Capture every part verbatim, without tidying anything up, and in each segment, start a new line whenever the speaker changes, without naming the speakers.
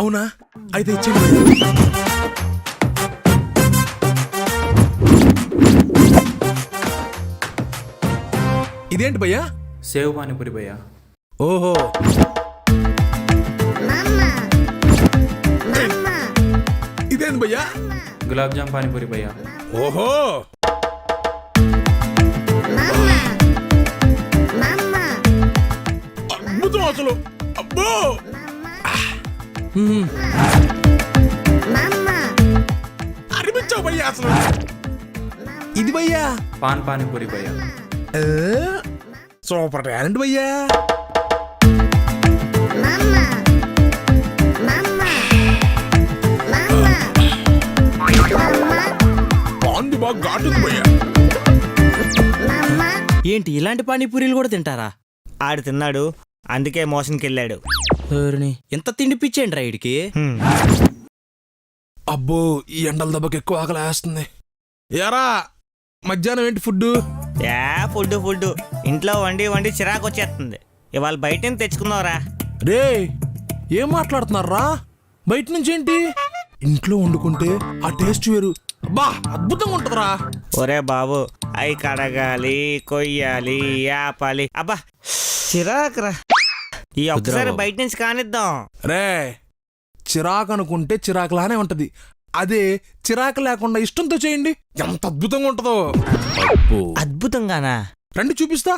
అవునా? అయితే ఇచ్చేయండి. ఇదేంటి భయ్యా?
సేవ్ పానీపూరి భయ్యా.
ఓహో, ఇదేంటి భయ్యా?
గులాబ్ జామ్ పానీపూరి భయ్యా.
ఓహో, అద్భుతం అసలు. అబ్బో, అనిపించావు భయ్యా అసలు. ఇది భయ్యా
పాన్ పానీపూరి భయ్యా.
సూపర్ టాలెంట్ భయ్యా. పాంది బాగా ఘాటుంది భయ్యా.
ఏంటి ఇలాంటి పానీపూరీలు కూడా తింటారా?
ఆడు తిన్నాడు, అందుకే మోషన్కి వెళ్ళాడు.
ఎంత తిండి పిచ్చేండి రా ఇడికి.
అబ్బో, ఈ ఎండల దెబ్బకి ఎక్కువ ఆకలి వేస్తుంది. యారా, మధ్యాహ్నం ఏంటి ఫుడ్?
యా ఫుడ్ ఫుడ్ ఇంట్లో వండి వండి చిరాకు వచ్చేస్తుంది. ఇవాళ బయట నుంచి తెచ్చుకున్నావురా.
రే, ఏం మాట్లాడుతున్నారా? బయట నుంచి ఏంటి? ఇంట్లో వండుకుంటే ఆ టేస్ట్ వేరు. బా, అద్భుతంగా ఉంటుందిరా.
ఒరే బాబు, అవి కడగాలి, కొయ్యాలి, యాపాలి. అబ్బా చిరాకురా. ఈ ఒక్కసారి బయట నుంచి కానిద్దాం.
రే, చిరాకు అనుకుంటే చిరాకులానే ఉంటది. అదే చిరాకు లేకుండా ఇష్టంతో చేయండి, ఎంత అద్భుతంగా ఉంటుందో.
అద్భుతంగానా?
రండి చూపిస్తా.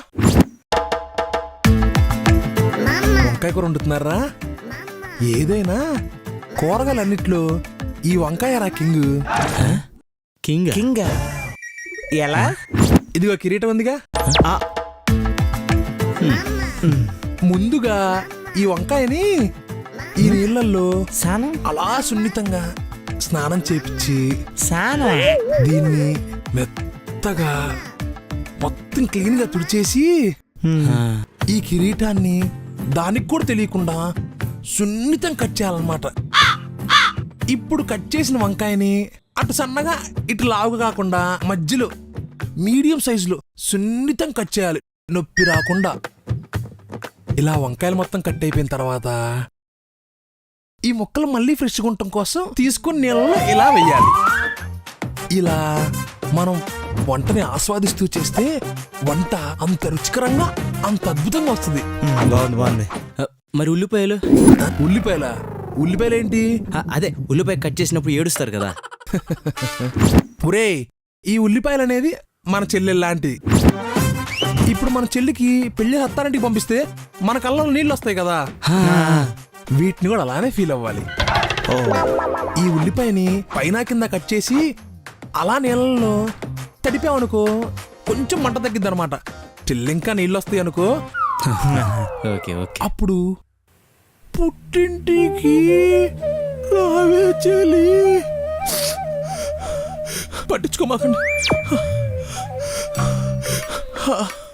వంకాయ కూర వండుతున్నారా? ఏదైనా కూరగాయలన్నిట్లో ఈ వంకాయ రా కింగ్.
కింగ్
కింగ్ ఎలా?
ఇదిగో కిరీటం ఉందిగా. ముందుగా ఈ వంకాయని ఈ నీళ్ళల్లో
సానం
అలా సున్నితంగా స్నానం చేపించి
సానం
దీన్ని మెత్తగా మొత్తం క్లీన్ గా తుడిచేసి ఈ కిరీటాన్ని దానికి కూడా తెలియకుండా సున్నితం కట్ చేయాలన్నమాట. ఇప్పుడు కట్ చేసిన వంకాయని అటు సన్నగా ఇటు లావుగా కాకుండా మధ్యలో మీడియం సైజులో సున్నితం కట్ చేయాలి, నొప్పి రాకుండా. ఇలా వంకాయలు మొత్తం కట్ అయిపోయిన తర్వాత ఈ ముక్కలు మళ్ళీ ఫ్రెష్గా ఉండటం కోసం తీసుకుని నీళ్ళలో ఇలా వెయ్యాలి. ఇలా మనం వంటని ఆస్వాదిస్తూ చేస్తే వంట అంత రుచికరంగా, అంత అద్భుతంగా వస్తుంది.
బాగుంది బాగుంది.
మరి ఉల్లిపాయలు?
ఉల్లిపాయల ఉల్లిపాయలేంటి?
ఆ, అదే ఉల్లిపాయ కట్ చేసినప్పుడు ఏడుస్తారు కదా.
ఒరే, ఈ ఉల్లిపాయలు అనేది మన చెల్లెలు లాంటిది. ఇప్పుడు మన చెల్లికి పెళ్లి హత్తారింటికి పంపిస్తే మన కళ్ళలో నీళ్ళు వస్తాయి కదా, వీటిని కూడా అలానే ఫీల్ అవ్వాలి. ఈ ఉల్లిపాయని పైన కింద కట్ చేసి అలా నీళ్ళలో తడిపామనుకో కొంచెం మంట తగ్గిద్ది అనమాట. చెల్లింకా నీళ్ళు వస్తాయి అనుకో,
ఓకే ఓకే.
అప్పుడు పుట్టింటికి రావే చెల్లి, పట్టించుకోమాకండి.